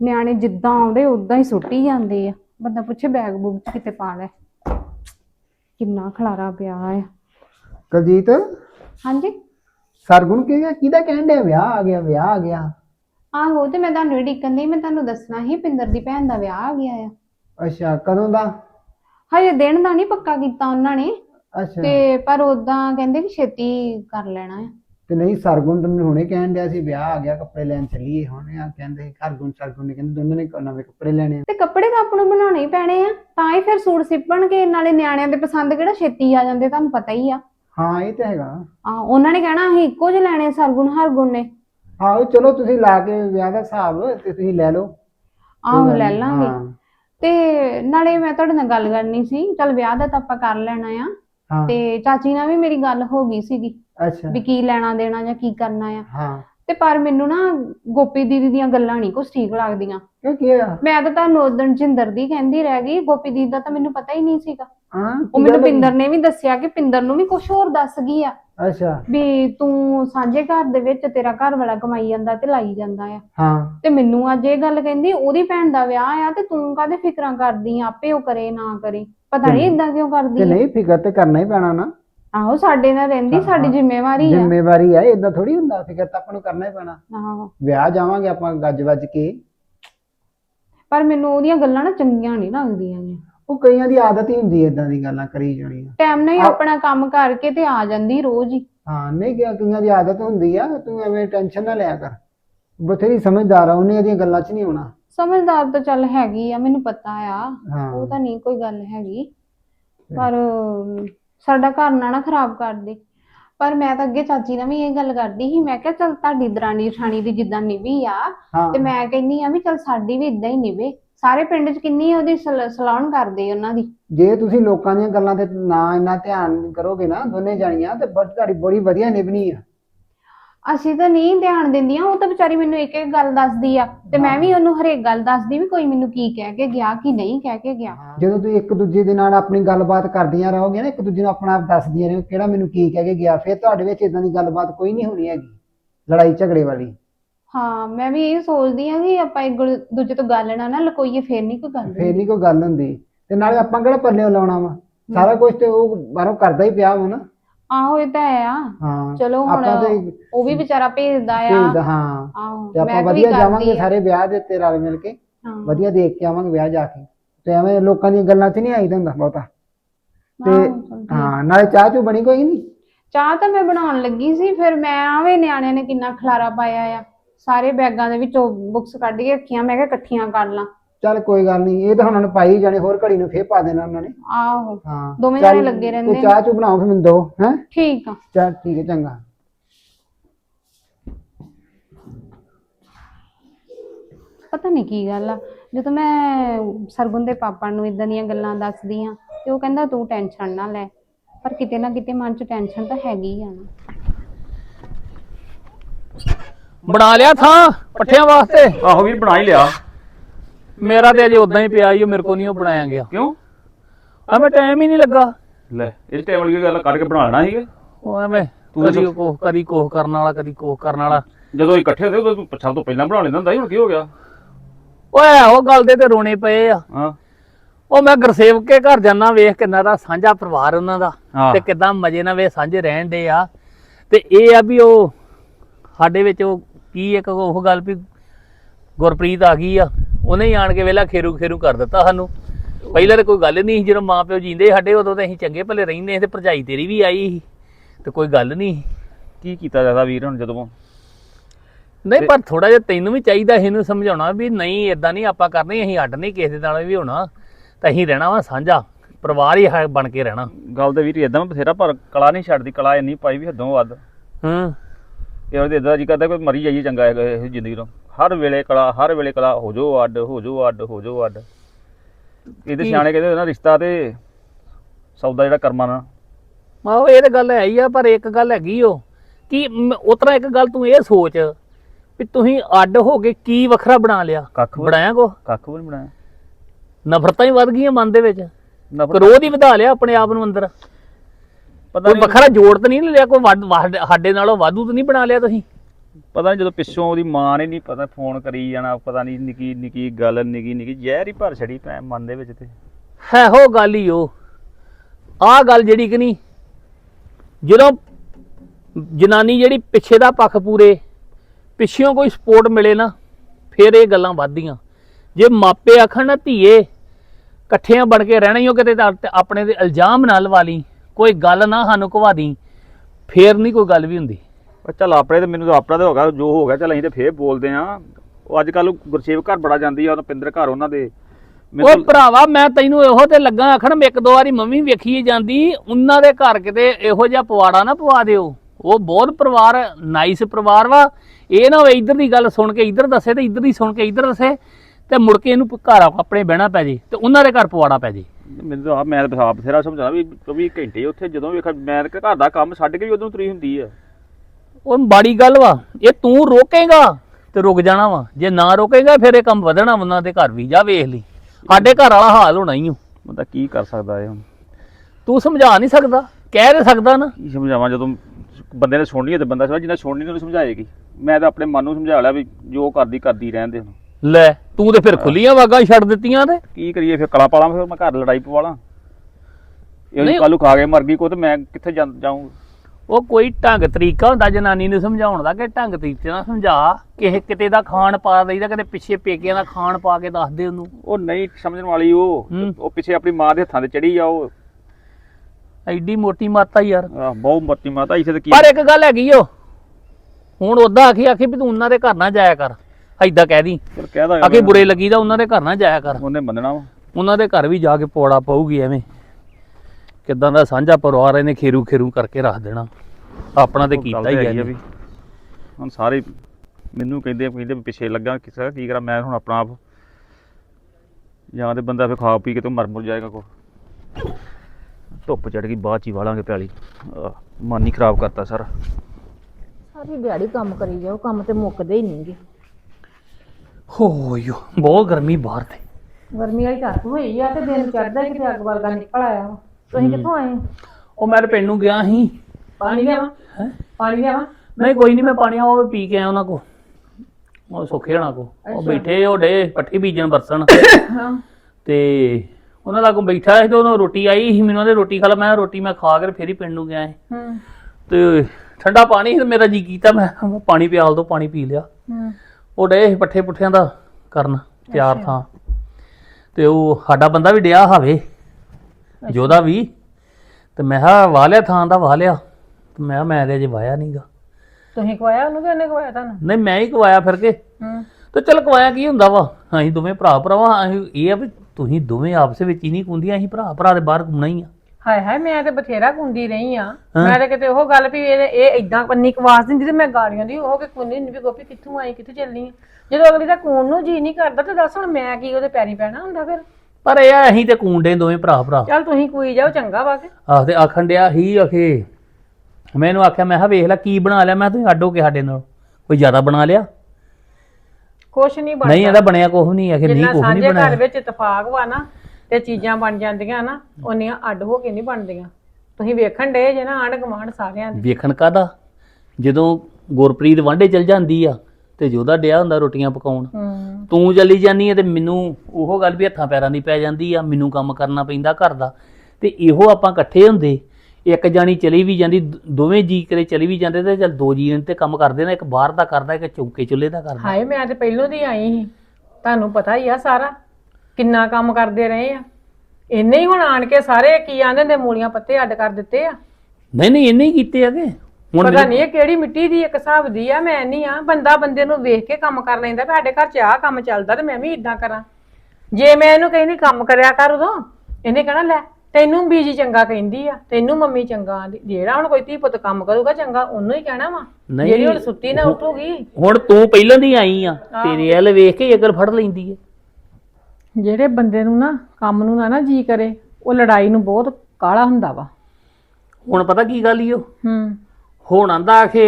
[SPEAKER 1] ਨਿਆਣੇ ਜਿੱਦਾਂ ਆਉਂਦੇ ਉਦਾਂ ਹੀ ਸੁੱਟੀ ਜਾਂਦੇ ਆ। ਬੰਦਾ ਪੁੱਛੇ ਬੈਗ ਬੂਗ ਚ ਕਿਤੇ ਪਾ ਲੈ। ਕਿੰਨਾ ਖਲਾਰਾ ਪਿਆ ਆ।
[SPEAKER 4] ਕੁਲਜੀਤ,
[SPEAKER 1] ਹਾਂਜੀ
[SPEAKER 4] ਸਰਗੁਣ ਕਿਹਦਾ ਕਹਿਣ ਡਿਆ ਵਿਆਹ ਆ ਗਿਆ, ਵਿਆਹ ਆ ਗਿਆ?
[SPEAKER 1] ਆਹੋ, ਤੇ ਮੈਂ ਤੁਹਾਨੂੰ ਵੀ ਡਿੱਕਣ ਦੀ, ਮੈਂ ਤੁਹਾਨੂੰ ਦੱਸਣਾ ਸੀ ਪਿੰਦਰ ਦੀ ਭੈਣ ਦਾ ਵਿਆਹ ਆ ਗਿਆ ਆ।
[SPEAKER 4] ਅੱਛਾ, ਕਦੋਂ ਦਾ?
[SPEAKER 1] ਹਜੇ ਦਿਨ ਦਾ ਨਹੀਂ ਪੱਕਾ ਕੀਤਾ ਉਹਨਾਂ ਨੇ,
[SPEAKER 4] ਅੱਛਾ,
[SPEAKER 1] ਤੇ ਪਰ ਉਦਾਂ ਕਹਿੰਦੇ ਕਿ ਛੇਤੀ ਕਰ ਲੈਣਾ ਆ।
[SPEAKER 4] ਤੇ ਨਹੀਂ ਸਰਗੁਣ ਤਾਂ ਮੈਨੂੰ ਹੁਣੇ ਕਹਿਣ ਡਿਆ ਸੀ ਵਿਆਹ ਆ ਗਿਆ, ਕੱਪੜੇ ਲੈਣ ਚੱਲੀਏ ਹੁਣ। ਆ ਕਹਿੰਦੇ ਸਰਗੁਣ ਨੇ ਕਹਿੰਦੇ ਦੋਨਾਂ ਨੇ ਨਵੇਂ ਕੱਪੜੇ ਲੈਣੇ ਆ।
[SPEAKER 1] ਤੇ ਕੱਪੜੇ ਤਾਂ ਆਪਾਂ ਨੂੰ ਬਣਾਉਣੇ ਹੀ ਪੈਣੇ ਆ, ਤਾਂ ਹੀ ਫਿਰ ਸੂਟ ਸਿੱਪਣਗੇ। ਨਾਲੇ ਨਿਆਣਿਆਂ ਦੇ ਪਸੰਦ ਕਿਹੜਾ ਛੇਤੀ ਆ ਜਾਂਦੇ, ਤੁਹਾਨੂੰ ਪਤਾ ਹੀ ਆ।
[SPEAKER 4] ਹਾਂ ਇਹ ਤਾਂ ਹੈਗਾ।
[SPEAKER 1] ਉਹਨਾਂ ਨੇ ਕਹਿਣਾ ਅਸੀਂ ਇੱਕੋ ਜਿਹੇ ਲੈਣੇ, ਸਰਗੁਣ ਹਰਗੁਣ ਨੇ।
[SPEAKER 4] ਆਹੋ ਚਲੋ, ਤੁਸੀਂ ਲਾ ਕੇ ਵਿਆਹ ਦਾ ਹਿਸਾਬ ਤੇ ਤੁਸੀਂ ਲੈ ਲਓ।
[SPEAKER 1] ਆਹੋ ਲੈ ਲਾਂਗੇ। ਤੇ ਨਾਲੇ ਮੈਂ ਤੁਹਾਡੇ ਨਾਲ ਗੱਲ ਕਰਨੀ ਸੀ, ਚੱਲ ਵਿਆਹ ਦਾ ਤਾਂ ਆਪਾਂ ਕਰ ਲੈਣਾ ਆ।
[SPEAKER 4] ਹਾਂ,
[SPEAKER 1] ਤੇ ਚਾਚੀ ਨਾਲ ਵੀ ਮੇਰੀ ਗੱਲ ਹੋ ਗਈ ਸੀਗੀ
[SPEAKER 4] ਅੱਛਾ,
[SPEAKER 1] ਵੀ ਕੀ ਲੈਣਾ ਦੇਣਾ ਜਾਂ ਕੀ ਕਰਨਾ ਆ।
[SPEAKER 4] ਹਾਂ।
[SPEAKER 1] ਤੇ ਪਰ ਮੈਨੂੰ ਨਾ ਗੋਪੀ ਦੀਦੀ ਦੀਆਂ ਗੱਲਾਂ ਨਹੀਂ ਕੁਛ ਠੀਕ ਲੱਗਦੀਆਂ।
[SPEAKER 4] ਕਿਉਂ, ਕੀ ਹੋਇਆ?
[SPEAKER 1] ਮੈਂ ਤਾਂ ਤੁਹਾਨੂੰ ਉਦੋਂ ਜਿੰਦਰ ਦੀ ਕਹਿੰਦੀ ਰਹਿ ਗਈ, ਗੋਪੀ ਦੀਦੀ ਦਾ ਤਾਂ ਮੈਨੂੰ ਪਤਾ ਹੀ ਨਹੀਂ ਸੀਗਾ।
[SPEAKER 4] ਹਾਂ,
[SPEAKER 1] ਉਹ ਮੈਨੂੰ ਪਿੰਦਰ ਨੇ ਵੀ ਦੱਸਿਆ ਕਿ ਪਿੰਦਰ ਨੂੰ ਵੀ ਕੁਛ ਹੋਰ ਦੱਸ ਗਈ ਆ
[SPEAKER 4] ਅੱਛਾ,
[SPEAKER 1] ਵੀ ਤੂੰ ਸਾਂਝੇ ਘਰ ਦੇ ਵਿੱਚ ਤੇਰਾ ਘਰ ਵਾਲਾ ਕਮਾਈ ਜਾਂਦਾ ਤੇ ਲਾਈ ਜਾਂਦਾ ਆ।
[SPEAKER 4] ਹਾਂ।
[SPEAKER 1] ਤੇ ਮੈਨੂੰ ਅੱਜ ਇਹ ਗੱਲ ਕਹਿੰਦੀ ਉਹਦੀ ਭੈਣ ਦਾ ਵਿਆਹ ਆ ਤੇ ਤੂੰ ਕਾਹਦੇ ਫਿਕਰਾਂ ਕਰਦੀ ਆ, ਆਪੇ ਉਹ ਕਰੇ ਨਾ ਕਰੇ, ਪਤਾ ਨਹੀਂ ਏਦਾਂ ਕਿਉਂ
[SPEAKER 4] ਤੇ
[SPEAKER 1] ਕਰਦੀ ਆ।
[SPEAKER 4] ਨਹੀਂ, ਫਿਕਰ ਤੇ ਕਰਨਾ ਹੀ ਪੈਣਾ ਨਾ।
[SPEAKER 1] ਆਹੋ, ਸਾਡੇ ਨਾਲ ਰਹਿੰਦੀ, ਸਾਡੀ ਜ਼ਿੰਮੇਵਾਰੀ ਆ।
[SPEAKER 4] ਜ਼ਿੰਮੇਵਾਰੀ ਆ, ਏਦਾਂ ਥੋੜੀ ਹੁੰਦਾ। ਫਿਕਰ ਤਾਂ ਆਪਾਂ ਨੂੰ ਕਰਨਾ ਹੀ ਪੈਣਾ।
[SPEAKER 1] ਆਹੋ,
[SPEAKER 4] ਵਿਆਹ ਜਾਵਾਂਗੇ ਆਪਾਂ ਗੱਜ ਵੱਜ ਕੇ।
[SPEAKER 1] ਪਰ ਮੈਨੂੰ ਉਹਦੀਆਂ ਗੱਲਾਂ ਨਾ ਚੰਗੀਆਂ ਨਹੀਂ ਲੱਗਦੀਆਂ ਨੇ।
[SPEAKER 4] ਉਹ ਕਈਆਂ ਦੀ ਆਦਤ ਹੀ ਹੁੰਦੀ ਹੈ ਏਦਾਂ ਦੀ ਗੱਲਾਂ ਕਰੀ ਜਾਣੀਆਂ।
[SPEAKER 1] ਟਾਈਮ ਨਾਲ ਹੀ ਆਪਣਾ ਕੰਮ ਕਰਕੇ ਤੇ ਆ ਜਾਂਦੀ ਰੋਜ਼ ਹੀ।
[SPEAKER 4] ਹਾਂ, ਨਹੀਂ ਕਈਆਂ ਦੀ ਆਦਤ ਹੁੰਦੀ ਆ। ਤੂੰ ਐਵੇਂ ਟੈਨਸ਼ਨ ਨਾ ਲਿਆ ਕਰ। ਬਥੇਰੀ ਸਮਝਦਾਰ ਆ, ਉਹਨੇ ਇਹਦੀਆਂ ਗੱਲਾਂ 'ਚ ਨਹੀਂ ਆਉਣਾ।
[SPEAKER 1] ਸਮਝਦਾਰ ਤਾਂ ਚੱਲ ਹੈਗੀ ਆ, ਮੈਨੂੰ ਪਤਾ ਆ,
[SPEAKER 4] ਹਾਂ,
[SPEAKER 1] ਉਹ ਤਾਂ ਨਹੀਂ ਕੋਈ ਗੱਲ ਹੈਗੀ। ਪਰ ਸਾਡਾ ਘਰ ਨਾ ਖਰਾਬ ਕਰ ਦੇ। ਪਰ ਮੈਂ ਤਾਂ ਅੱਗੇ ਚਾਚੀ ਨਾਲ ਵੀ ਇਹ ਗੱਲ ਕਰਦੀ ਸੀ, ਮੈਂ ਕਿਹਾ ਚੱਲ ਤੁਹਾਡੀ ਦਰਾਣੀ ਜਠਾਣੀ ਦੀ ਜਿੱਦਾਂ ਨਿਭੀ ਆ,
[SPEAKER 4] ਹਾਂ।
[SPEAKER 1] ਤੇ ਮੈਂ ਕਹਿੰਦੀ ਆ ਵੀ ਚੱਲ ਸਾਡੀ ਵੀ ਇਦਾਂ ਹੀ ਨਿਭੇ। ਸਾਰੇ ਪਿੰਡ 'ਚ ਕਿੰਨੀ ਉਹਦੀ ਸਲਾਹੁਣ ਕਰਦੇ ਉਹਨਾਂ ਦੀ।
[SPEAKER 4] ਜੇ ਤੁਸੀਂ ਲੋਕਾਂ ਦੀਆਂ ਗੱਲਾਂ ਤੇ ਨਾ ਇੰਨਾ ਧਿਆਨ ਕਰੋਗੇ ਨਾ ਦੋਨੇ ਜਾਣੀਆਂ, ਤੇ ਤੁਹਾਡੀ ਬੜੀ ਵਧੀਆ ਨਿਭਣੀ ਆ।
[SPEAKER 1] ਅਸੀਂ ਤਾਂ ਨਹੀਂ ਧਿਆਨ ਦਿੰਦੀਆਂ, ਉਹ ਤਾਂ ਵਿਚਾਰੀ ਮੈਨੂੰ ਇੱਕ ਇੱਕ ਗੱਲ ਦੱਸਦੀ ਆ ਤੇ ਮੈਂ ਵੀ ਉਹਨੂੰ ਹਰੇਕ ਗੱਲ ਦੱਸਦੀ ਵੀ ਕੋਈ ਮੈਨੂੰ ਕੀ ਕਹਿ ਕੇ ਗਿਆ, ਕੀ ਨਹੀਂ ਕਹਿ ਕੇ ਗਿਆ।
[SPEAKER 4] ਜਦੋਂ ਤੁਸੀਂ ਇੱਕ ਦੂਜੇ ਦੇ ਨਾਲ ਆਪਣੀ ਗੱਲਬਾਤ ਕਰਦੀਆਂ ਰਹੋਗੇ ਨਾ, ਇੱਕ ਦੂਜੇ ਨੂੰ ਆਪਣਾ ਆਪ ਦੱਸਦੀਆਂ ਰਹੋ ਕਿਹੜਾ ਮੈਨੂੰ ਕੀ ਕਹਿ ਕੇ ਗਿਆ, ਫਿਰ ਤੁਹਾਡੇ ਵਿੱਚ ਇਦਾਂ ਦੀ ਗੱਲਬਾਤ ਕੋਈ ਨਹੀਂ ਹੋਣੀ ਹੈਗੀ, ਲੜਾਈ ਝਗੜੇ ਵਾਲੀ।
[SPEAKER 1] ਹਾਂ, ਮੈਂ ਵੀ ਇਹ ਸੋਚਦੀ ਆ ਕਿ ਆਪਾਂ ਇੱਕ ਦੂਜੇ ਤੋਂ ਗੱਲ ਨਾ ਲਕੋਈਏ, ਫੇਰ ਨਹੀਂ ਕੋਈ ਗੱਲ
[SPEAKER 4] ਫੇਰ ਨਹੀਂ ਕੋਈ ਗੱਲ ਹੁੰਦੀ। ਤੇ ਨਾਲੇ ਆਪਾਂ ਕਿਹੜਾ ਪੱਲੇ ਲਾਉਣਾ ਵਾ, ਸਾਰਾ ਕੁਝ ਤੇ ਉਹ ਬਾਹਰੋਂ ਕਰਦਾ ਹੀ ਪਿਆ ਵਾ ਨਾ।
[SPEAKER 1] ਆਹੋ, ਇਹ ਤਾਂ ਹੈ ਆ।
[SPEAKER 4] ਹਾਂ,
[SPEAKER 1] ਚਲੋ ਹੁਣ
[SPEAKER 4] ਆਪਾਂ ਤੇ
[SPEAKER 1] ਉਹ ਵੀ ਵਿਚਾਰਾ ਭੇਜਦਾ ਆ।
[SPEAKER 4] ਭੇਜਦਾ। ਹਾਂ,
[SPEAKER 1] ਆਹੋ,
[SPEAKER 4] ਤੇ ਆਪਾਂ
[SPEAKER 1] ਮੈਂ ਤਾਂ ਵੀ
[SPEAKER 4] ਵਧੀਆ ਜਾਵਾਂਗੇ
[SPEAKER 1] ਕਰਦੀ ਆ।
[SPEAKER 4] ਸਾਰੇ ਵਿਆਹ ਦੇ ਉੱਤੇ ਰਲ ਮਿਲ ਕੇ,
[SPEAKER 1] ਹਾਂ।
[SPEAKER 4] ਵਧੀਆ ਦੇਖ ਕੇ ਆਵਾਂਗੇ ਵਿਆਹ ਜਾ ਕੇ। ਤੇ ਐਵੇਂ ਲੋਕਾਂ ਦੀਆਂ ਗੱਲਾਂ 'ਚ ਨਹੀਂ ਆਈਦਾ ਹੁੰਦਾ ਬਹੁਤਾ। ਤੇ
[SPEAKER 1] ਆਹੋ, ਚੱਲ ਠੀਕ।
[SPEAKER 4] ਹਾਂ, ਨਾਲੇ ਚਾਹ ਚੂ ਬਣੀ ਕੋਈ ਨਹੀਂ?
[SPEAKER 1] ਚਾਹ ਤਾਂ ਮੈਂ ਬਣਾਉਣ ਲੱਗੀ ਸੀ, ਫਿਰ ਮੈਂ ਆਵੇ ਨਿਆਣਿਆਂ ਨੇ ਕਿੰਨਾ ਖਲਾਰਾ ਪਾਇਆ ਆ, ਸਾਰੇ ਬੈਗਾਂ ਦੇ ਵਿੱਚੋਂ ਬੁੱਕਸ ਕੱਢ ਕੇ ਰੱਖੀਆਂ, ਮੈਂ ਕਿਹਾ ਇਕੱਠੀਆਂ ਕਰ ਲਾਂ।
[SPEAKER 4] ਚੱਲ ਕੋਈ ਗੱਲ ਨਹੀਂ, ਇਹ ਤਾਂ ਉਹਨਾਂ ਨੇ ਪਾਈ ਜਾਣੇ, ਹੋਰ ਘੜੀ ਨੂੰ ਫੇਰ ਪਾ ਦੇਣਾ ਉਹਨਾਂ ਨੇ।
[SPEAKER 1] ਆਹੋ,
[SPEAKER 4] ਹਾਂ,
[SPEAKER 1] ਦੋਵੇਂ
[SPEAKER 4] ਚੱਲ
[SPEAKER 1] ਜਣੇ ਲੱਗੇ ਰਹਿੰਦੇ
[SPEAKER 4] ਤੂੰ ਚਾਹ ਚੂ ਬਣਾਓ ਫਿਰ ਮੈਨੂੰ ਦੋ। ਹੈ
[SPEAKER 1] ਠੀਕ ਆ।
[SPEAKER 4] ਚੱਲ ਠੀਕ ਹੈ, ਚੰਗਾ।
[SPEAKER 1] ਪਤਾ ਨਹੀਂ ਕੀ ਗੱਲ ਆ, ਜਦੋਂ ਮੈਂ ਸਰਗੁਣ ਦੇ ਪਾਪਾ ਨੂੰ ਇਦਾਂ ਦੀਆਂ ਗੱਲਾਂ ਦੱਸਦੀ ਆ ਤੇ ਉਹ ਕਹਿੰਦਾ ਤੂੰ ਟੈਨਸ਼ਨ ਨਾ ਲੈ, ਪਰ ਕਿਤੇ ਨਾ ਕਿਤੇ ਮਨ 'ਚ ਟੈਨਸ਼ਨ ਤਾਂ ਹੈਗੀ ਆ ਨਾ।
[SPEAKER 5] ਬਣਾ ਲਿਆ ਥਾਂ ਪੱਠਿਆਂ ਵਾਸਤੇ?
[SPEAKER 6] ਆਹੋ ਵੀਰ, ਬਣਾ ਹੀ ਲਿਆ।
[SPEAKER 5] ਮੇਰਾ ਤੇ ਅਜੇ ਉਦਾਂ ਹੀ ਪਿਆ ਈ, ਮੇਰੇ ਕੋ ਨਹੀਂ ਉਹ ਬਣਾਇਆ ਗਿਆ।
[SPEAKER 6] ਕਿਉਂ?
[SPEAKER 5] ਆ ਮੈਂ ਟਾਈਮ ਹੀ ਨਹੀਂ ਲੱਗਾ।
[SPEAKER 6] ਲੈ, ਇਸ ਟਾਈਮ ਵਾਲੀ ਗੱਲ ਕੱਢ ਕੇ ਬਣਾ ਲੈਣਾ ਸੀਗਾ।
[SPEAKER 5] ਉਹ ਐਵੇਂ
[SPEAKER 6] ਤੂੰ
[SPEAKER 5] ਕਦੀ ਕੋਹ ਕਰਨ ਵਾਲਾ, ਕਦੀ ਕੋਹ ਕਰਨ ਵਾਲਾ।
[SPEAKER 6] ਜਦੋਂ ਇਕੱਠੇ ਹੋਏ ਉਦੋਂ ਤੂੰ ਸਭ ਤੋਂ ਪਹਿਲਾਂ ਬਣਾ ਲੈਂਦਾ ਹੁੰਦਾ ਸੀ, ਹੁਣ ਕੀ ਹੋ ਗਿਆ?
[SPEAKER 5] ਓਏ ਉਹ ਗੱਲ ਦੇ ਤੇ ਰੋਣੇ ਪਏ ਆ।
[SPEAKER 6] ਹਾਂ,
[SPEAKER 5] ਉਹ ਮੈਂ ਗੁਰਸੇਵਕ ਕੇ ਘਰ ਜਾਣਾ, ਵੇਖ ਕਿੰਨਾ ਦਾ ਸਾਂਝਾ ਪਰਿਵਾਰ ਉਹਨਾਂ ਦਾ,
[SPEAKER 6] ਹਾਂ।
[SPEAKER 5] ਤੇ ਕਿਦਾਂ ਮਜੇ ਨਾਲ ਵੇ ਸਾਂਝੇ ਰਹਿਣ ਦੇ ਆ। ਤੇ ਇਹ ਆ ਵੀ ਉਹ ਸਾਡੇ ਵਿੱਚ ਉਹ ਕੀ ਇੱਕ ਉਹ ਗੱਲ ਵੀ ਗੁਰਪ੍ਰੀਤ ਆ ਗਈ ਆ, ਉਹਨੇ ਹੀ ਆਣ ਕੇ ਵੇਲਾ ਖੇਰੂ ਖੇਰੂ ਕਰ ਦਿੱਤਾ ਸਾਨੂੰ। ਪਹਿਲਾਂ ਤਾਂ ਕੋਈ ਗੱਲ ਨਹੀਂ ਸੀ, ਜਦੋਂ ਮਾਂ ਪਿਓ ਜੀਂਦੇ ਸਾਡੇ ਉਦੋਂ ਤਾਂ ਅਸੀਂ ਚੰਗੇ ਭਲੇ ਰਹਿੰਦੇ, ਤੇ ਭਰਜਾਈ ਤੇਰੀ ਵੀ ਆਈ ਸੀ ਤੇ ਕੋਈ ਗੱਲ ਨਹੀਂ।
[SPEAKER 6] ਕੀ ਕੀਤਾ ਜਾਂਦਾ ਵੀਰ ਹੁਣ ਜਦੋਂ?
[SPEAKER 5] ਨਹੀਂ, ਪਰ ਥੋੜਾ ਜਿਹਾ ਤੈਨੂੰ ਵੀ ਚਾਹੀਦਾ ਇਹਨੂੰ ਸਮਝਾਉਣਾ ਵੀ ਨਹੀਂ ਇਦਾਂ ਨਹੀਂ ਆਪਾਂ ਕਰਨੀ, ਅਸੀਂ ਅੱਡ ਨਹੀਂ ਕਿਸੇ ਦੇ ਨਾਲ ਵੀ ਹੋਣਾ, ਤਾਂ ਅਸੀਂ ਰਹਿਣਾ ਵਾ ਸਾਂਝਾ ਪਰਿਵਾਰ ਹੀ ਬਣ ਕੇ ਰਹਿਣਾ।
[SPEAKER 6] ਗੱਲ ਤੇ ਵੀਰ ਇਦਾਂ ਬਥੇਰਾ, ਪਰ ਕਲਾ ਨਹੀਂ ਛੱਡਦੀ, ਕਲਾ ਇੰਨੀ ਪਾਈ ਵੀ ਹੱਦੋਂ ਵੱਧ। ਇਹ ਉਹਦੇ ਇਦਾਂ ਜੀ ਕਰਦਾ ਕੋਈ ਮਰੀ ਜਾਈਏ ਚੰਗਾ ਇਹ ਜ਼ਿੰਦਗੀ ਨੂੰ। ਹਰ ਵੇਲੇ ਕਲਾ, ਹਰ ਵੇਲੇ ਕਲਾ, ਹੋ ਜਾਓ ਅੱਡ, ਹੋ ਜਾਓ ਅੱਡ, ਹੋ ਜਾਓ ਅੱਡ। ਇਹਦੇ ਸਿਆਣੇ ਕਹਿੰਦੇ ਨਾ, ਰਿਸ਼ਤਾ ਤੇ ਸੌਦਾ ਜਿਹੜਾ ਕਰਮਾਂ ਨਾਲ।
[SPEAKER 5] ਆਹੋ, ਇਹ ਤਾਂ ਗੱਲ ਹੈ ਹੀ ਆ, ਪਰ ਇੱਕ ਗੱਲ ਹੈਗੀ ਉਹ ਕਿ ਉਤਰਾ ਇੱਕ ਗੱਲ ਤੂੰ ਇਹ ਸੋਚ ਵੀ ਤੁਸੀਂ ਅੱਡ ਹੋ ਕੇ ਕੀ ਵੱਖਰਾ ਬਣਾ ਲਿਆ?
[SPEAKER 6] ਕੱਖ ਵੀ
[SPEAKER 5] ਬਣਾਇਆ ਕੋ?
[SPEAKER 6] ਕੱਖ ਵੀ ਨਹੀਂ ਬਣਾਇਆ।
[SPEAKER 5] ਨਫ਼ਰਤਾਂ ਹੀ ਵੱਧ ਗਈਆਂ ਮਨ ਦੇ ਵਿੱਚ,
[SPEAKER 6] ਨਫ਼ਰਤ
[SPEAKER 5] ਕਰੋਧ ਹੀ ਵਧਾ ਲਿਆ ਆਪਣੇ ਆਪ ਨੂੰ ਅੰਦਰ।
[SPEAKER 6] ਪਤਾ
[SPEAKER 5] ਕੋਈ
[SPEAKER 6] ਨਹੀਂ
[SPEAKER 5] ਵੱਖਰਾ ਜੋੜ ਤਾਂ ਨਹੀਂ ਲਿਆ, ਕੋਈ ਸਾਡੇ ਨਾਲੋਂ ਵਾਧੂ ਤਾਂ ਨਹੀਂ ਬਣਾ ਲਿਆ ਤੁਸੀਂ?
[SPEAKER 6] ਪਤਾ ਨਹੀਂ ਜਦੋਂ ਪਿੱਛੋਂ ਉਹਦੀ ਮਾਂ ਨੇ ਨਹੀਂ ਪਤਾ ਫੋਨ ਕਰੀ ਜਾਣਾ, ਪਤਾ ਨਹੀਂ ਨਿੱਕੀ ਨਿੱਕੀ ਗੱਲ, ਨਿੱਕੀ ਨਿੱਕੀ ਜ਼ਹਿਰ ਹੀ ਭਰ ਛੜੀ ਭੈਣ ਮਨ ਦੇ ਵਿੱਚ ਤੇ।
[SPEAKER 5] ਹੈ ਹੋ ਗੱਲ ਹੀ ਉਹ ਆਹ ਗੱਲ ਜਿਹੜੀ ਕਿ ਨਹੀਂ, ਜਦੋਂ ਜਨਾਨੀ ਜਿਹੜੀ ਪਿੱਛੇ ਦਾ ਪੱਖ ਪੂਰੇ, ਪਿੱਛੋਂ ਕੋਈ ਸਪੋਰਟ ਮਿਲੇ ਨਾ, ਫਿਰ ਇਹ ਗੱਲਾਂ ਵੱਧਦੀਆਂ। ਜੇ ਮਾਪੇ ਆਖਣ ਨਾ ਧੀਏ ਇਕੱਠਿਆਂ ਬਣ ਕੇ ਰਹਿਣਾ ਹੀ, ਉਹ ਕਿਤੇ ਤਾਂ ਆਪਣੇ ਦੇ ਇਲਜ਼ਾਮ ਨਾ ਲਵਾ ਲਈ, ਕੋਈ ਗੱਲ ਨਾ ਸਾਨੂੰ ਘਵਾ ਦੀ, ਫੇਰ ਨਹੀਂ ਕੋਈ ਗੱਲ ਵੀ ਹੁੰਦੀ।
[SPEAKER 6] ਚੱਲ ਆਪਣੇ ਤੇ ਮੈਨੂੰ ਤਾਂ ਆਪਣਾ ਤੇ ਹੋ ਗਿਆ ਜੋ ਹੋ ਗਿਆ, ਚੱਲ ਅਸੀਂ ਤੇ ਫੇਰ ਬੋਲਦੇ ਆ। ਉਹ ਅੱਜ ਕੱਲ ਗੁਰਸੇਵਕ ਘਰ ਬੜਾ ਜਾਂਦੀ ਆ, ਉਹ ਪਿੰਦਰ ਘਰ ਉਹਨਾਂ ਦੇ।
[SPEAKER 5] ਉਹ ਭਰਾਵਾ ਮੈਂ ਤੈਨੂੰ ਇਹੋ ਤੇ ਲੱਗਾ ਆਖਣ, ਮੈਂ ਇੱਕ ਦੋ ਵਾਰੀ ਮੰਮੀ ਵੇਖੀ ਜਾਂਦੀ, ਉਹਨਾਂ ਦੇ ਘਰ ਕਿਤੇ ਇਹੋ ਜਿਹਾ ਪਵਾੜਾ ਨਾ ਪਵਾ ਦਿਓ। ਉਹ ਬਹੁਤ ਪਰਿਵਾਰ ਨਾਈਸ ਪਰਿਵਾਰ ਵਾ, ਇਹ ਨਾ ਹੋਵੇ ਇੱਧਰ ਦੀ ਗੱਲ ਸੁਣ ਕੇ ਇੱਧਰ ਦੱਸੇ ਤੇ ਇੱਧਰ ਦੀ ਸੁਣ ਕੇ ਇੱਧਰ ਦੱਸੇ, ਤੇ ਮੁੜ ਕੇ ਇਹਨੂੰ ਘਰ ਆਪਣੇ ਬਹਿਣਾ ਪੈ ਜੇ ਤੇ ਉਹਨਾਂ ਦੇ ਘਰ ਪਵਾੜਾ ਪੈ ਜੇ।
[SPEAKER 6] ਮੈਨੂੰ ਤਾਂ ਮੈਂ ਤਾਂ ਆਪ ਬਥੇਰਾ ਸਮਝਾਉਣਾ ਵੀ 24 ਘੰਟੇ ਉੱਥੇ ਜਦੋਂ ਵੇਖਾ ਮੈਂ ਘਰ ਦਾ ਕੰਮ ਛੱਡ ਕੇ ਵੀ ਉਦੋਂ ਤੁਰੀ ਹੁੰਦੀ ਆ।
[SPEAKER 5] ਉਹ ਮਾੜੀ ਗੱਲ ਵਾ, ਇਹ ਤੂੰ ਰੋਕੇਗਾ ਤੇ ਰੁਕ ਜਾਣਾ ਵਾ, ਜੇ ਨਾ ਰੋਕੇਗਾ ਫਿਰ ਇਹ ਕੰਮ ਵਧਣਾ ਉਹਨਾਂ ਦੇ ਘਰ ਵੀ। ਜਾ ਵੇਖ ਲਈ ਸਾਡੇ ਘਰ ਵਾਲਾ ਹਾਲ ਹੋਣਾ ਹੀ ਓ।
[SPEAKER 6] ਬੰਦਾ ਕੀ ਕਰ ਸਕਦਾ ਇਹ ਹੁਣ?
[SPEAKER 5] ਤੂੰ ਸਮਝਾ ਨਹੀਂ ਸਕਦਾ, ਕਹਿ ਨਹੀਂ ਸਕਦਾ ਨਾ।
[SPEAKER 6] ਕੀ ਸਮਝਾਵਾਂ, ਜਦੋਂ ਬੰਦੇ ਨੇ ਸੁਣਨੀ ਹੈ ਤੇ ਬੰਦਾ ਜਿੰਨਾ ਸੁਣਨੀ ਉਹਨੂੰ ਸਮਝਾਏਗੀ। ਮੈਂ ਤਾਂ ਆਪਣੇ ਮਨ ਨੂੰ ਸਮਝਾ ਲਿਆ ਵੀ ਜੋ ਕਰਦੀ ਰਹਿੰਦੇ ਹੁਣ।
[SPEAKER 5] ਲੈ ਤੂੰ ਤੇ ਫਿਰ ਖੁੱਲੀਆਂ ਵਾਗਾਂ ਛੱਡ ਦਿੱਤੀਆਂ ਤੇ
[SPEAKER 6] ਕੀ ਕਰੀਏ ਫਿਰ, ਕਲਾ ਪਾਲਾਂ ਫਿਰ ਮੈਂ ਘਰ ਲੜਾਈ ਪਵਾ ਲਾਂ। ਇਹ
[SPEAKER 5] ਨਹੀਂ।
[SPEAKER 6] ਕੱਲ ਨੂੰ ਖਾ ਕੇ ਮਰ ਗਈ ਕੋ ਤੇ ਮੈਂ ਕਿੱਥੇ ਜਾਊਂ?
[SPEAKER 5] ਉਹ ਕੋਈ ਢੰਗ ਤਰੀਕਾ ਹੁੰਦਾ ਜਨਾਨੀ ਨੂੰ ਸਮਝਾਉਣ ਦਾ, ਕਿ ਢੰਗ ਤਰੀਕੇ ਨਾਲ ਸਮਝਾ। ਕਿਸੇ ਕਿਤੇ ਦਾ ਖਾਣ ਪਾ ਦਈਦਾ, ਕਿਤੇ ਪਿੱਛੇ ਪੇਕਿਆਂ ਦਾ ਖਾਣ ਪਾ ਕੇ ਦੱਸ ਦੇ ਉਹਨੂੰ।
[SPEAKER 6] ਉਹ ਨਹੀਂ ਸਮਝਣ ਵਾਲੀ ਉਹ ਪਿੱਛੇ ਆਪਣੀ ਮਾਂ ਦੇ ਹੱਥਾਂ ਤੇ ਚੜੀ ਆ। ਉਹ
[SPEAKER 5] ਐਡੀ ਮੋਟੀ ਮਾਤਾ ਯਾਰ,
[SPEAKER 6] ਬਹੁਤ ਮੱਤੀ ਮਾਤਾ ਇੱਥੇ ਤੇ ਕੀ।
[SPEAKER 5] ਪਰ ਇੱਕ ਗੱਲ ਹੈਗੀ ਓ, ਹੁਣ ਉਦਾਂ ਆਖੀ ਵੀ ਤੂੰ ਉਹਨਾਂ ਦੇ ਘਰ ਨਾ ਜਾਇਆ ਕਰ, ਐਦਾਂ ਕਹਿ ਦੀ
[SPEAKER 6] ਚਲ ਕਹਿਦਾ
[SPEAKER 5] ਆਖੀ ਬੁਰੇ ਲੱਗੀਦਾ, ਉਹਨਾਂ ਦੇ ਘਰ ਨਾ ਜਾਇਆ ਕਰ।
[SPEAKER 6] ਉਹਨੇ ਮੰਨਣਾ ਵਾ।
[SPEAKER 5] ਉਹਨਾਂ ਦੇ ਘਰ ਵੀ ਜਾ ਕੇ ਪੌੜਾ ਪਊਗੀ, ਐਵੇਂ ਕਿੱਦਾਂ ਦਾ ਸਾਂਝਾ ਪਰਿਵਾਰ ਇਹਨੇ ਖੇਰੂ ਕਰਕੇ ਰੱਖ ਦੇਣਾ। ਆਪਣਾ ਤੇ ਕੀਤਾ ਹੀ ਹੈ
[SPEAKER 6] ਵੀ ਹੁਣ ਸਾਰੇ ਮੈਨੂੰ ਕਹਿੰਦੇ ਵੀ ਪਿੱਛੇ ਲੱਗਾ ਕਿਸੇ ਕੀ ਕਰਾਂ ਮੈਂ ਹੁਣ ਆਪਣਾ ਆਪ, ਜਾਂ ਤੇ ਬੰਦਾ ਫਿਰ ਖਾ ਪੀ ਕੇ ਤੇ ਮਰ ਮੁਰ ਜਾਏਗਾ। ਕੋ ਧੁੱਪ ਚੜ ਗਈ, ਬਾਅਦ ਚ ਹੀ ਵਾਲਾਂਗੇ ਪੈਲੀ। ਮਨ ਹੀ ਖਰਾਬ ਕਰਤਾ ਸਾਰਾ।
[SPEAKER 2] ਸਾਰੀ ਦਿਹਾੜੀ ਕੰਮ ਕਰੀ ਜਾਓ, ਕੰਮ ਤੇ ਮੁੱਕਦੇ ਹੀ ਨਹੀਂਗੇ।
[SPEAKER 5] ਹੋਯੋ ਬਹੁਤ ਗਰਮੀ ਬਾਹਰ ਤੇ।
[SPEAKER 2] ਗਰਮੀ ਵਾਲੀ ਘੱਟ ਹੋਈ ਆ ਤੇ ਦਿਨ ਚੜਦਾ ਕਿਤੇ ਅੱਗ ਵਰਗਾ ਨਿਕਲ ਆਇਆ ਵਾ। ਤੁਸੀਂ ਕਿੱਥੋਂ ਆਏ?
[SPEAKER 5] ਉਹ ਮੈਂ ਤੇ ਪਿੰਡ ਨੂੰ ਗਿਆ ਸੀ।
[SPEAKER 2] ਪਾਣੀ ਲਿਆਵਾਂ?
[SPEAKER 5] ਹੈਂ?
[SPEAKER 2] ਪਾਣੀ ਲਿਆਵਾਂ?
[SPEAKER 5] ਨਹੀਂ ਕੋਈ ਨਹੀਂ, ਮੈਂ ਪਾਣੀ ਉਹ ਪੀ ਕੇ ਆਇਆ ਉਹਨਾਂ ਕੋ, ਉਹ ਸੁੱਖੇ ਹੋਣਾ ਕੋ। ਉਹ ਬੈਠੇ ਉਹ ਡੇ ਪੱਠੀ ਬੀਜਣ ਬਰਸਣ ਤੇ ਉਹਨਾਂ ਲਾਗੋਂ ਬੈਠਾ ਸੀ ਤੇ ਉਹਨਾਂ ਰੋਟੀ ਆਈ ਸੀ, ਮੈਨੂੰ ਉਹਦੇ ਰੋਟੀ ਖਾ ਲਾ। ਮੈਂ ਰੋਟੀ ਮੈਂ ਖਾ ਕੇ ਫਿਰ ਹੀ ਪਿੰਡ ਨੂੰ ਗਿਆ ਸੀ। ਤੇ ਠੰਡਾ ਪਾਣੀ ਸੀ, ਮੇਰਾ ਜੀ ਕੀਤਾ ਮੈਂ ਪਾਣੀ ਪਿਆਲ ਦੋ, ਪਾਣੀ ਪੀ ਲਿਆ। ਉਹ ਡੇ ਪੱਠੇ ਪੁੱਠਿਆਂ ਦਾ ਕਰਨ ਤਿਆਰ ਥਾਂ, ਤੇ ਉਹ ਸਾਡਾ ਬੰਦਾ ਵੀ ਡਿਆ ਹਾਵੇ ਜੋਦਾ ਵੀ, ਤੇ ਮੈਂ ਕਿਹਾ ਵਾਹ ਲਿਆ ਥਾਂ ਦਾ, ਵਾਹ ਲਿਆ। ਤੇ ਮੈਂ ਤੇ ਅਜੇ ਵਾਇਆ ਨਹੀਂਗਾ।
[SPEAKER 2] ਤੁਸੀਂ ਕਵਾਇਆ ਉਹਨੂੰ ਕਿ ਉਹਨੇ ਕਵਾਇਆ ਤੁਹਾਨੂੰ?
[SPEAKER 5] ਨਹੀਂ ਮੈਂ ਹੀ ਕਵਾਇਆ ਫਿਰ ਕੇ। ਤੇ ਚੱਲ ਕਵਾਇਆ ਕੀ ਹੁੰਦਾ ਵਾ, ਅਸੀਂ ਦੋਵੇਂ ਭਰਾ ਅਸੀਂ ਇਹ ਆ ਵੀ ਤੁਸੀਂ ਦੋਵੇਂ ਆਪਸ ਵਿੱਚ ਹੀ ਨਹੀਂ ਕੁੰਦੀਆਂ, ਅਸੀਂ ਭਰਾ ਦੇ ਬਾਹਰ ਘੁੰਮਣਾ ਹੀ ਆ।
[SPEAKER 2] ਹਾਏ ਹਾਏ, ਮੈਂ ਤੇ ਬਥੇਰਾ ਕੁੰਦੀ ਰਹੀ ਆ। ਮੈਂ ਤੇ ਕਿਤੇ ਉਹ ਗੱਲ ਵੀ ਇਹ ਇਦਾਂ ਪੰਨੀ ਕਵਾਸ ਦਿੰਦੀ ਤੇ ਮੈਂ ਗਾਲੀਆਂ ਦੀ ਉਹ ਕਿ ਕੁੰਦੀ ਨਹੀਂ ਵੀ ਗੋਪੀ ਕਿੱਥੋਂ ਆਈ, ਕਿੱਥੇ ਚੱਲੀ ਆ। ਜਦੋਂ ਅਗਲੀ ਦਾ ਕੂਣ ਨੂੰ ਜੀ ਨਹੀਂ ਕਰਦਾ ਤੇ ਦੱਸ ਹੁਣ ਮੈਂ ਕੀ ਉਹਦੇ ਪੈਰੀ ਪੈਣਾ ਹੁੰਦਾ ਫਿਰ।
[SPEAKER 5] ਪਰ ਇਹ ਆ ਅਸੀਂ ਤੇ ਕੂੰਡੇ ਦੋਵੇਂ ਭਰਾ।
[SPEAKER 2] ਚੱਲ ਤੁਸੀਂ ਕੋਈ ਜਾਓ, ਚੰਗਾ ਵਾ ਕੇ।
[SPEAKER 5] ਆਹ ਤੇ ਆਖਣ ਡਿਆ ਹੀ ਆਖੇ, ਮੈਨੂੰ ਆਖਿਆ ਮੈਂ ਕਿਹਾ ਵੇਖ ਲੈ ਕੀ ਬਣਾ ਲਿਆ। ਮੈਂ ਤੁਸੀਂ ਅੱਡ ਹੋ ਕੇ ਸਾਡੇ ਨਾਲ ਕੋਈ ਜ਼ਿਆਦਾ ਬਣਾ ਲਿਆ?
[SPEAKER 2] ਕੁਛ ਨਹੀਂ ਬਣਦਾ।
[SPEAKER 5] ਨਹੀਂ ਇਹਦਾ ਬਣਿਆ ਕੁਛ ਨਹੀਂ। ਆਖੇ ਨਹੀਂ ਕੁਛ ਨਹੀਂ
[SPEAKER 2] ਸਾਂਝੇ
[SPEAKER 5] ਬਣਾਇਆ।
[SPEAKER 2] ਘਰ ਵਿੱਚ ਇਤਫਾਕ ਵਾ ਨਾ ਤੇ ਚੀਜ਼ਾਂ ਬਣ ਜਾਂਦੀਆਂ ਨਾ, ਉਹਨੀਆਂ ਅੱਡ ਹੋ ਕੇ ਨਹੀਂ ਬਣਦੀਆਂ। ਤੁਸੀਂ ਵੇਖਣ ਡੇ ਜੇ ਨਾ ਆਂਢ ਗੁਆਂਢ ਸਾਰਿਆਂ ਦੇ।
[SPEAKER 5] ਵੇਖਣ ਕਾਹਦਾ, ਜਦੋਂ ਗੁਰਪ੍ਰੀਤ ਵਾਂਢੇ ਚਲ ਜਾਂਦੀ ਆ ਤੇ ਜੋਦਾ ਡਿਆ ਹੁੰਦਾ ਰੋਟੀਆਂ ਪਕਾਉਣ, ਤੂੰ ਚੱਲੀ ਜਾਂਦੀ ਆ ਤੇ ਮੈਨੂੰ ਉਹ ਗੱਲ ਵੀ ਹੱਥਾਂ ਪੈਰਾਂ ਦੀ ਪੈ ਜਾਂਦੀ ਆ, ਮੈਨੂੰ ਕੰਮ ਕਰਨਾ ਪੈਂਦਾ ਘਰ ਦਾ। ਤੇ ਇਹੋ ਆਪਾਂ ਇਕੱਠੇ ਹੁੰਦੇ, ਇੱਕ ਜਾਣੀ ਚਲੀ ਵੀ ਜਾਂਦੀ, ਦੋਵੇਂ ਜੀ ਕਰੇ ਚਲੀ ਵੀ ਜਾਂਦੇ ਤੇ ਚੱਲ ਦੋ ਜੀ ਤੇ ਕੰਮ ਕਰਦੇ ਨਾ, ਇੱਕ ਬਾਹਰ ਦਾ ਕਰਦਾ, ਇੱਕ ਚੌਂਕੇ ਚੁੱਲ੍ਹੇ ਦਾ ਕਰਦਾ।
[SPEAKER 2] ਹਾਏ ਮੈਂ ਤੇ ਪਹਿਲੋਂ ਦੀ ਆਈ ਸੀ, ਤੁਹਾਨੂੰ ਪਤਾ ਹੀ ਆ ਸਾਰਾ ਕਿੰਨਾ ਕੰਮ ਕਰਦੇ ਰਹੇ ਆ। ਇੰਨੇ ਹੀ ਹੁਣ ਆਣ ਕੇ ਸਾਰੇ ਕੀ ਆਂਦੇ ਨੇ ਮੂਲੀਆਂ ਪੱਤੇ ਅੱਡ ਕਰ ਦਿੱਤੇ ਆ।
[SPEAKER 5] ਨਹੀਂ ਇੰਨੇ ਹੀ ਕੀਤੇ ਹੈਗੇ। ਹੁਣ
[SPEAKER 2] ਪਤਾ ਨਹੀਂ ਇਹ ਕਿਹੜੀ ਮਿੱਟੀ ਦੀ ਇੱਕ ਹਿਸਾਬ ਦੀ ਆ। ਮੈਂ ਨਹੀਂ ਆ, ਬੰਦਾ ਬੰਦੇ ਨੂੰ ਵੇਖ ਕੇ ਕੰਮ ਕਰ ਲੈਂਦਾ ਵੀ ਸਾਡੇ ਘਰ 'ਚ ਆਹ ਕੰਮ ਚੱਲਦਾ ਤੇ ਮੈਂ ਵੀ ਇਦਾਂ ਕਰਾਂ। ਜੇ ਮੈਂ ਇਹਨੂੰ ਕਹਿੰਦੀ ਕੰਮ ਕਰਿਆ ਕਰ ਉਦੋਂ, ਇਹਨੇ ਕਹਿਣਾ ਲੈ ਤੈਨੂੰ ਬੀਜੀ ਚੰਗਾ ਕਹਿੰਦੀ ਆ, ਤੈਨੂੰ ਮੰਮੀ ਚੰਗਾ ਆਂਦੀ। ਜਿਹੜਾ ਹੁਣ ਕੋਈ ਧੀ ਪੁੱਤ ਕੰਮ ਕਰੂਗਾ ਚੰਗਾ ਉਹਨੂੰ ਹੀ ਕਹਿਣਾ ਵਾ। ਜਿਹੜੀ ਹੁਣ ਸੁੱਤੀ ਨਾ ਉੱਠੂਗੀ।
[SPEAKER 5] ਹੁਣ ਤੂੰ ਪਹਿਲਾਂ ਦੀ ਆਈ ਆ, ਤੇਰੇ ਵੱਲ ਵੇਖ ਕੇ ਅਗਰ ਫੜ ਲੈਂਦੀ ਏ।
[SPEAKER 2] ਜਿਹੜੇ ਬੰਦੇ ਨੂੰ ਨਾ ਕੰਮ ਨੂੰ ਨਾ ਜੀ ਕਰੇ, ਉਹ ਲੜਾਈ ਨੂੰ ਬਹੁਤ ਕਾਹਲਾ ਹੁੰਦਾ ਵਾ।
[SPEAKER 5] ਹੁਣ ਪਤਾ ਕੀ ਗੱਲ ਈ ਉਹ ਹੁਣ ਆਂਦਾ ਆਖੇ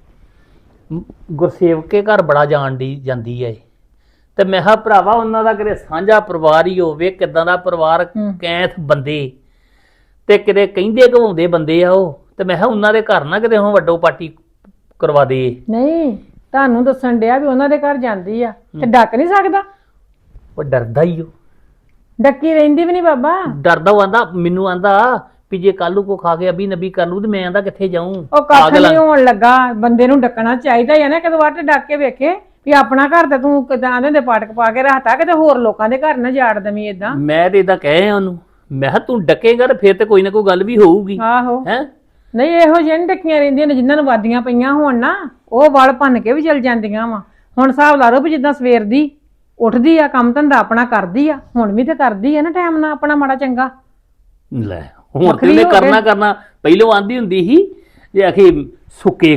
[SPEAKER 5] ਗੁਰਸੇਵਕ ਕੇ ਘਰ ਬੜਾ ਜਾਂਦੀ ਐ। ਤੇ ਮੈਂ ਕਿਹਾ ਭਰਾਵਾ ਉਹਨਾਂ ਦਾ ਕਿਤੇ ਸਾਂਝਾ ਪਰਿਵਾਰ ਹੀ ਹੋਵੇ, ਕਿੱਦਾਂ ਦਾ ਪਰਿਵਾਰ, ਕੈਂਥ ਬੰਦੇ ਤੇ ਕਿਤੇ ਕਹਿੰਦੇ ਘਵਾਉਂਦੇ ਬੰਦੇ ਆ ਉਹ। ਤੇ ਮੈਂ ਕਿਹਾ ਉਹਨਾਂ ਦੇ ਘਰ ਨਾ ਕਿਤੇ ਹੁਣ ਵੱਡੋ ਪਾਟੀ ਕਰਵਾ ਦੇ।
[SPEAKER 7] ਨਹੀਂ ਤੁਹਾਨੂੰ ਦੱਸਣ ਡਿਆ ਵੀ ਉਹਨਾਂ ਦੇ ਘਰ ਜਾਂਦੀ ਆ ਤੇ ਡੱਕ ਨਹੀਂ ਸਕਦਾ।
[SPEAKER 5] ਉਹ ਡਰਦਾ ਹੀ ਉਹ,
[SPEAKER 7] ਡੱਕੀ ਰਹਿੰਦੀ ਵੀ ਨਹੀਂ ਬਾਬਾ।
[SPEAKER 5] ਡਰਦਾ ਉਹ ਆਂਦਾ, ਮੈਨੂੰ ਆਂਦਾ ਵੀ ਜੇ ਕੱਲ ਨੂੰ ਕੋ ਖਾ ਕੇ ਅਬੀ ਨਬੀ ਕਰ ਲੂ ਤੇ ਮੈਂ ਆਂਦਾ ਕਿੱਥੇ ਜਾਊਂ।
[SPEAKER 7] ਉਹ ਕੱਖ ਨਹੀਂ ਹੋਣ ਲੱਗਾ, ਬੰਦੇ ਨੂੰ ਡੱਕਣਾ ਚਾਹੀਦਾ ਹੈ ਨਾ, ਕਦੋਂ ਵਾਰ ਡੱਕ ਕੇ ਵੇਖੇ ਵੀ ਆਪਣਾ ਘਰ ਤੇ ਤੂੰ ਕਿਦਾਂ ਦੇ ਪਾਟਕ ਪਾ ਕੇ ਰੱਖਤਾ, ਕਿਤੇ ਹੋਰ ਲੋਕਾਂ ਦੇ ਘਰ ਨਾ ਜਾੜ ਦਵੀਂ ਏਦਾਂ।
[SPEAKER 5] ਮੈਂ ਤੇ ਏਦਾਂ ਕਹੇ ਉਹਨੂੰ, ਮੈਂ ਕਿਹਾ ਤੂੰ ਡੱਕੇਗਾ ਤੇ ਫਿਰ ਤੇ ਕੋਈ ਨਾ ਕੋਈ ਗੱਲ ਵੀ ਹੋਊਗੀ।
[SPEAKER 7] ਆਹੋ
[SPEAKER 5] ਹੈ
[SPEAKER 7] ਨਹੀਂ, ਇਹੋ ਜਿਹੇ ਨੀ ਡੱਕੀਆਂ ਰਹਿੰਦੀਆਂ ਨੇ ਜਿਨ੍ਹਾਂ ਨੂੰ ਵਾਦੀਆਂ ਪਈਆਂ ਹੋਣ ਨਾ, ਉਹ ਵਲ ਭੰਨ ਕੇ ਵੀ ਚਲ ਜਾਂਦੀਆਂ ਵਾ। ਹੁਣ ਹਿਸਾਬ ਲਾ ਲਓ ਵੀ ਜਿੱਦਾਂ ਸਵੇਰ ਦੀ ਉੱਠਦੀ ਆ, ਕੰਮ ਧੰਦਾ ਆਪਣਾ ਕਰਦੀ ਆ, ਹੁਣ ਵੀ ਤੇ ਕਰਦੀ ਆ ਨਾ ਟਾਈਮ ਨਾਲ ਆਪਣਾ ਮਾੜਾ ਚੰਗਾ।
[SPEAKER 5] ਲੈ ਹੁਣ ਤੇ ਉਹਨੇ ਕਰਨਾ ਪਹਿਲੋਂ ਆਂਦੀ ਹੁੰਦੀ ਸੀ ਜੇ ਆਖੀ ਸੁੱਕੇ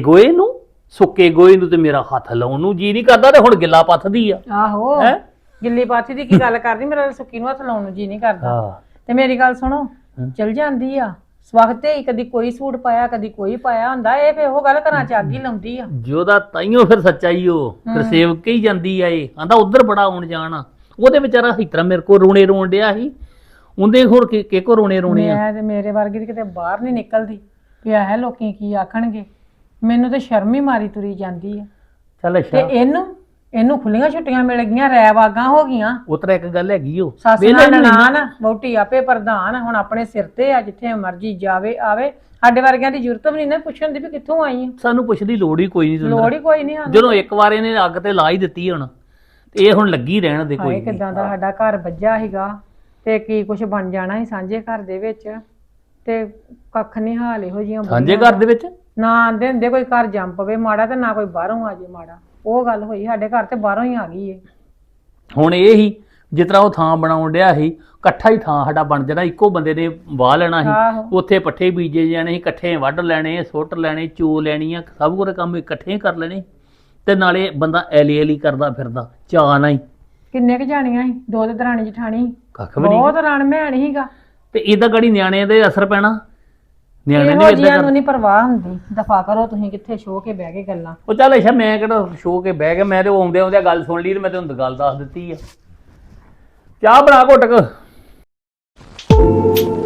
[SPEAKER 5] ਗੋਏ ਨੂੰ ਤੇ ਮੇਰਾ ਹੱਥ ਲਾਉਣ ਨੂੰ ਜੀ ਨਹੀਂ ਕਰਦਾ, ਤੇ ਹੁਣ ਗਿੱਲਾ ਪੱਥਦੀ ਆ।
[SPEAKER 7] ਆਹੋ ਗਿੱਲੀ ਪਾਥੀ ਦੀ ਕੀ ਗੱਲ ਕਰਦੀ, ਮੇਰਾ ਸੁੱਕੀ ਨੂੰ ਹੱਥ ਲਾਉਣ ਨੂੰ ਜੀ ਨਹੀਂ ਕਰਦਾ। ਤੇ ਮੇਰੀ ਗੱਲ ਸੁਣੋ, ਚਲ ਜਾਂਦੀ ਆ ਸਵਖਤੇ ਹੀ, ਕਦੀ ਕੋਈ ਸੂਟ ਪਾਇਆ ਕਦੀ ਕੋਈ ਪਾਇਆ ਹੁੰਦਾ, ਇਹ ਫੇ ਉਹ ਗੱਲ ਘਰਾਂ ਚ ਅੱਗ ਹੀ ਲਾਉਂਦੀ ਆ।
[SPEAKER 5] ਜਿਹਦਾ ਤਾਈਓ ਫਿਰ ਸੱਚਾਈ ਉਹ ਫਿਰ ਸੇਵਕ ਹੀ ਜਾਂਦੀ ਆ। ਇਹ ਆਂਦਾ ਉਧਰ ਬੜਾ ਆਉਣ ਜਾਣ ਆ, ਉਹਦੇ ਵਿਚਾਰਾ ਹਿੱਤਰਾ ਮੇਰੇ ਕੋਲ ਰੋਣ ਡਿਆ ਸੀ, ਉਹਦੇ ਹੋਰ ਕਿ ਕੋ ਰੋਣੇ ਆ।
[SPEAKER 7] ਮੈਂ ਤੇ ਮੇਰੇ ਵਰਗੀ ਦੀ ਕਿਤੇ ਬਾਹਰ ਨਹੀਂ ਨਿਕਲਦੀ ਵੀ ਇਹ ਲੋਕੀ ਕੀ ਆਖਣਗੇ, ਮੈਨੂੰ ਤੇ ਸ਼ਰਮ ਹੀ ਮਾਰੀ ਤੁਰੀ ਜਾਂਦੀ ਆ।
[SPEAKER 5] ਚੱਲ
[SPEAKER 7] ਤੇ
[SPEAKER 5] ਅੱਛਾ,
[SPEAKER 7] ਇਹਨੂੰ ਖੁੱਲੀਆਂ ਛੁੱਟੀਆਂ ਮਿਲ ਗਈਆਂ, ਰੈਵਾਗਾਂ ਹੋ ਗਈਆਂ।
[SPEAKER 5] ਉਤਰਾ ਇੱਕ ਗੱਲ ਹੈਗੀ ਉਹ
[SPEAKER 7] ਸੱਸ ਨਾਲ ਨਨਾਣ, ਵਹੁਟੀ ਆਪੇ ਪ੍ਰਧਾਨ, ਹੁਣ ਆਪਣੇ ਸਿਰ ਤੇ ਆ, ਜਿੱਥੇ ਮਰਜੀ ਜਾਵੇ ਆਵੇ। ਸਾਡੇ ਵਰਗਿਆਂ ਦੀ ਜ਼ਰੂਰਤ ਵੀ ਨਹੀਂ ਨਾ ਪੁੱਛਣ ਦੀ ਵੀ ਕਿੱਥੋਂ ਆਈ ਆ।
[SPEAKER 5] ਸਾਨੂੰ ਪੁੱਛਣ ਦੀ ਲੋੜ ਹੀ ਕੋਈ ਨਹੀਂ।
[SPEAKER 7] ਲੋੜ ਹੀ ਕੋਈ ਨਹੀਂ।
[SPEAKER 5] ਜਦੋਂ ਇੱਕ ਵਾਰ ਇਹਨੇ ਅੱਗ ਤੇ ਲਾ ਹੀ ਦਿੱਤੀ ਹੁਣ, ਤੇ ਇਹ ਹੁਣ ਲੱਗੀ ਰਹਿਣ ਦੇ ਕੋਈ।
[SPEAKER 7] ਕਿਦਾਂ ਦਾ ਸਾਡਾ ਘਰ ਵੱਜਾ ਸੀਗਾ ਤੇ ਕੀ ਕੁਝ ਬਣ ਜਾਣਾ ਸੀ ਸਾਂਝੇ ਘਰ ਦੇ ਵਿੱਚ, ਤੇ ਕੱਖ ਨਹੀਂ ਹਾਲ ਇਹੋ ਜਿਹੀਆਂ
[SPEAKER 5] ਸਾਂਝੇ ਘਰ ਦੇ ਵਿੱਚ
[SPEAKER 7] ਨਾ ਆਂਦੇ ਹੁੰਦੇ ਕੋਈ ਘਰ ਜੰਮ ਪਵੇ ਮਾੜਾ, ਤੇ ਨਾ ਕੋਈ ਬਾਹਰੋਂ ਆ ਜੇ ਮਾੜਾ। ਉਹ ਗੱਲ ਹੋਈ ਸਾਡੇ ਘਰ ਤੇ ਬਾਹਰੋਂ ਹੀ ਆ ਗਈ ਏ।
[SPEAKER 5] ਹੁਣ ਇਹ ਹੀ ਜਿਸ ਤਰ੍ਹਾਂ ਉਹ ਥਾਂ ਬਣਾਉਣ ਡਿਆ ਸੀ, ਇਕੱਠਾ ਹੀ ਥਾਂ ਸਾਡਾ ਬਣ ਜਾਣਾ, ਇੱਕੋ ਬੰਦੇ ਨੇ ਵਾਹ ਲੈਣਾ ਸੀ, ਉੱਥੇ ਪੱਠੇ ਬੀਜੇ ਜਾਣੇ ਸੀ, ਇਕੱਠੇ ਵੱਢ ਲੈਣੇ, ਸੁੱਟ ਲੈਣੇ, ਚੋ ਲੈਣੀਆਂ, ਸਭ ਕੁਝ ਕੰਮ ਇਕੱਠੇ ਹੀ ਕਰ ਲੈਣੇ, ਤੇ ਨਾਲੇ ਬੰਦਾ ਐਲੀ ਕਰਦਾ ਫਿਰਦਾ ਚਾਅ ਨਾਲ ਹੀ।
[SPEAKER 7] ਕਿੰਨੇ ਕੁ ਜਾਣੀਆਂ ਸੀ, ਦੋ ਤੇ ਦਰਾਣੀ ਜਠਾਣੀ,
[SPEAKER 5] ਕੱਖ ਵੀ ਨਹੀਂ।
[SPEAKER 7] ਬਹੁਤ ਰਣ ਮੈਣ ਸੀਗਾ।
[SPEAKER 5] ਤੇ ਇਹਦਾ ਗਾੜੀ ਨਿਆਣਿਆਂ ਦੇ ਅਸਰ ਪੈਣਾ, ਨਿਆਣੇ
[SPEAKER 7] ਇਹੋ
[SPEAKER 5] ਨੇ
[SPEAKER 7] ਜਿਹੀਆਂ ਨੂੰ ਨਹੀਂ ਪਰਵਾਹ ਹੁੰਦੀ। ਦਫਾ ਕਰੋ ਤੁਸੀਂ, ਕਿੱਥੇ ਸ਼ੋਅ ਕੇ ਬਹਿ ਕੇ ਗੱਲਾਂ।
[SPEAKER 5] ਉਹ ਚੱਲ ਅੱਛਾ, ਮੈਂ ਕਿਹੜਾ ਸ਼ੋ ਕੇ ਬਹਿ ਗਿਆ, ਮੈਂ ਤੇ ਆਉਂਦਿਆਂ ਗੱਲ ਸੁਣ ਲਈ ਤੇ ਮੈਂ ਤੈਨੂੰ ਗੱਲ ਦੱਸ ਦਿੱਤੀ ਆ। ਚਾਹ ਬਣਾ ਘੁੱਟ ਕੇ।